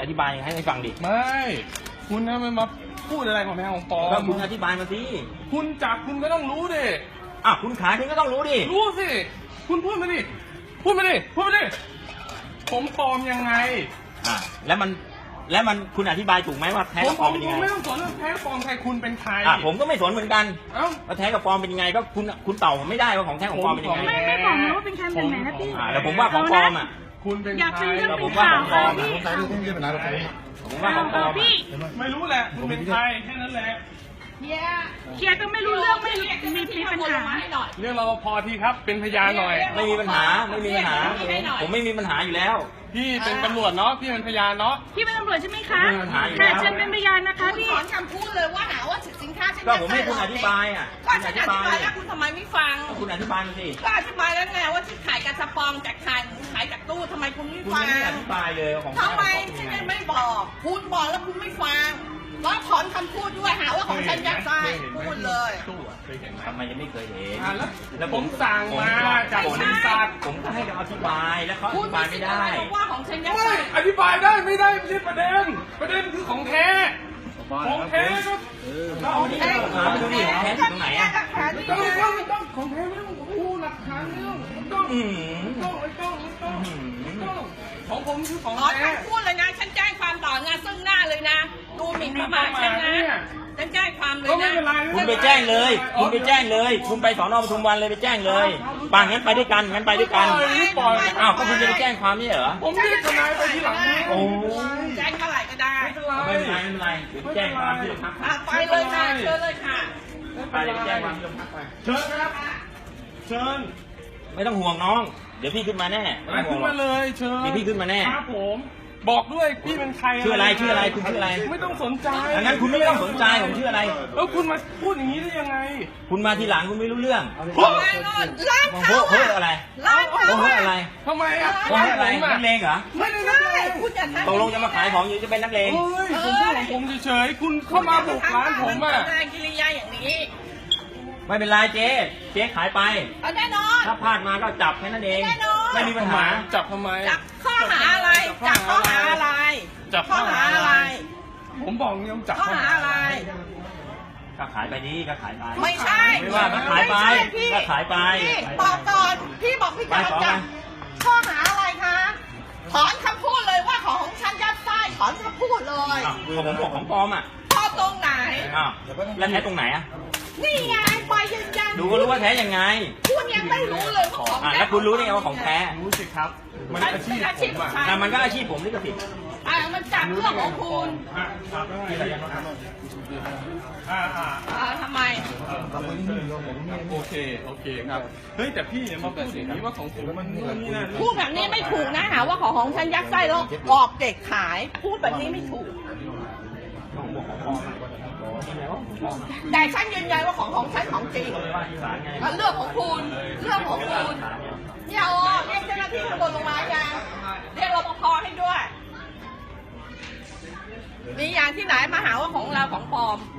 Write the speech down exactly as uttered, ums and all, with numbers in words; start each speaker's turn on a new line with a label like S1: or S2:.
S1: ธิบายให้ให้ฟังดิ
S2: ไม่คุณนะมันมาพูดอะไรของแท้ของปลอม
S1: แล้วมึงอธิบายมาสิ
S2: คุณจับคุณก็ต้องรู้ดิ
S1: อ่ะคุณขายคุณก็ต้องรู้ดิ
S2: รู้สิคุณพูดมาดิพูดมาดิพูดมาดิผมปลอมยังไง
S1: อ่ะแล้วมันแล้วมันคุณอธิบายถูกไหมว่าแท้กับปลอมเป็นยังไง
S2: ผมไม่ต้องสนเรื่องแท้ปลอมใครคุณเป็นใคร
S1: อ่ะผมก็ไม่สนเหมือนกัน
S2: เอ้า
S1: ว่าแท้กับปลอมเป็นยังไงก็คุณคุณตอบผมไม่ได้ว่าของแท้ของปลอมเป็นยังไง
S3: ไม่ไม่บอกนะว่าเป็นใครเป็นไหนนะพี่
S1: อ่ะแล้วผมว่าของปลอมอ่ะ
S2: คุณเป็นใคร
S1: แล้วผม
S3: อยากเป็นเรื่องเป็น
S1: ว่า
S3: ข่าว
S1: ของปลอม
S3: พี่
S1: ผมว่าของปลอม
S3: พี่
S2: ไม่รู้แหละคุณเป็นใครแค่นั้นแหละ
S3: เคลียร์ก็ไม่รู้เรื่องไม่มีมีปัญหา
S2: เรื่องรปภทีครับเป็นพยานหน่อย
S1: ไม่มีปัญหาไม่มีปัญหาผมไม่มีปัญหาอยู่แล้ว
S2: พี่เป็นตำรวจเนาะพี่เป็นพยานเนาะ
S3: พี่เป็นตำรวจใช่ไหมคะค่ะเชิญเป็นพยานนะคะพี่
S4: ถอนคำพูดเลยว่าหาว่าสินค้าฉัน
S1: ก็ผมให้คุณอธิบายอ่ะ
S4: ก็ฉันอธิบายแล้วคุณทำไมไม่ฟัง
S1: คุณอธิบายมาสิ
S4: ก็อธิบายแล้วไงว่าที่ขายกระสปองจากขายขายจากตู้ทำไมคุณไม่ฟัง
S1: คุณไม่อธิบายเลยของ
S4: ทำไมฉันไม่บอกคุณบอกแล้วคุณไม่ฟังแล้วถอนคำพูดด้วยหาว่าของฉันยัดไส้พูดเลย
S1: ทำไมยังไม่เคยเห็น
S2: แล้วผมสั่งมาจากบริษัท
S1: ผมก็ให้เขาอธิบายแล้วเขาอธิบายไม่ได้
S4: ว่าของฉันยัดไส้
S2: อธิบายได้ไม่ได้ไม่ใช่ประเด็นประเด็นคือของแท้ของแท้ก็
S1: เราเอาที่หลักฐานดูดิของแท้อยู่ตรงไหนอ่ะ
S2: ต้องต้องต้องของแท้ไม่ต้องอู้หลักฐานไม่ต้องต้องต้องต้องต้องของผมคือของแท้
S4: พูดเลยนะฉันแจ้งความต่องานซึ่งหน้าเลยนะดูหมิ่นประมาทฉันนะฉันแจ้งความเลยนะ
S1: คุณไปแจ้งเลยคุณไปแจ้งเลยคุณไปสอนอปทุมวันเลยไปแจ้งเลยป่างั้นไปด้วยกันงั้นไปด้วยกันอ้าวก็คุณจะไปแจ้งความนี่เหรอ
S2: ผมเรียกทนายไปที่หลัง
S1: โอ้
S4: แจ้งเท่าไหร่ก็ได้
S1: ไม่เป็นไรไม่เป็นไรแจ้งความที่โรงพัก
S4: ไปเลยค่ะเชิญเลยค่ะ
S1: ไปเลยแจ้งความที่โรงพักไป
S2: เชิญครับเชิญ
S1: ไม่ต้องห่วงน้องเดี๋ยวพี่ขึ้นมาแน่
S2: ขึ้นมาเลยเชิญ
S1: เดี๋ยวพี่ขึ้นมาแน่
S2: ครับผมบอกด้วยพี่เป็นใคร
S1: ชื่ออะไรชื่ออะไรคุณชื่ออะไร
S2: ไม่ต้องสนใจ
S1: งั้นคุณไม่ต้องสนใจผมชื่ออะไร
S2: แล้วคุณมาพูดอย่างนี้ได้ยังไง
S1: คุณมาทีหลังคุณไม่รู้เรื่อง
S4: โอ้ยร้านเขา
S1: เฮ้ยอะไร
S4: ร้านเขา
S1: เฮ้ยอะไร
S2: ทำไมอ่ะ
S1: เฮ้ยอะไรนักเลงเหรอ
S4: ไม่ได้คุณอย่าทำ
S1: ตกลงจะมาขายของอยู่จะเป็นนักเลง
S2: เฮ้ยผมพูดของผมเฉยๆคุณเข้ามาบุกร้านผมอ่ะ
S4: แสดงกิริยาอย่างนี้
S1: ไม่เป็นไรเจ๊เจ๊ขายไป
S4: แน่นอน
S1: ถ้าพลาดมาก็จับแค่นั้นเองไม่มีปัญหา
S2: จับทำไม
S4: จับข้อหาอะไรจับข้อหาอะไร
S2: จับ
S4: ข้อหาอะไร
S2: ผมบอกเนี่ยจับ
S4: ข้อหาอะไร
S1: ก็ขายไปนี่ก็ขายไป
S4: ไม่ใช่
S1: ไม่ว่าก็ขายไปก็ขายไป
S4: บอกก่อนพี่บอกพี่จะจับข้อหาอะไรคะถอนคำพูดเลยว่าของของฉันยัดไส้ถอนคำพูดเลย
S1: ของผมบอกของปลอมอ่ะ
S4: พอตรงไหน
S1: อ้าวแล้วแท้ตรงไหนอ่ะ
S4: นี่ไงไปยืนยัน
S1: ดูก็รู้ว่าแท้ยังไง
S4: คุณยังไม่รู้เลยว่าของ
S1: แท้แล้วคุณรู้ได้ไงว่าของแท้
S2: รู้สิครับมันอาชีพผม
S1: อ่ะมันก็อาชีพผมนี่ก็ผิด
S4: อ่ามันจับเรื่องของคุณ
S2: อ่าอ่า
S4: อ่าทำไม
S2: โอเคโอเคครับเฮ้ยแต่พี่เนี่ยมาพูดอย่างนี้ว่าของผมมันนี่นะ
S4: พูดแบบนี้ไม่ถูกนะหาว่าของของฉันยัดไส้แล้วกรอบเด็กขายพูดแบบนี้ไม่ถูกแต่ฉันยืนยันว่าของของฉันของจริงเรื่องของคุณเรื่องของคุณเนี่ยโอ้เรียกเจ้าหน้าที่ตำรวจลงมายังเรียกรปภให้ด้วยมีอย่างที่ไหนมาหาว่าของเราของปลอม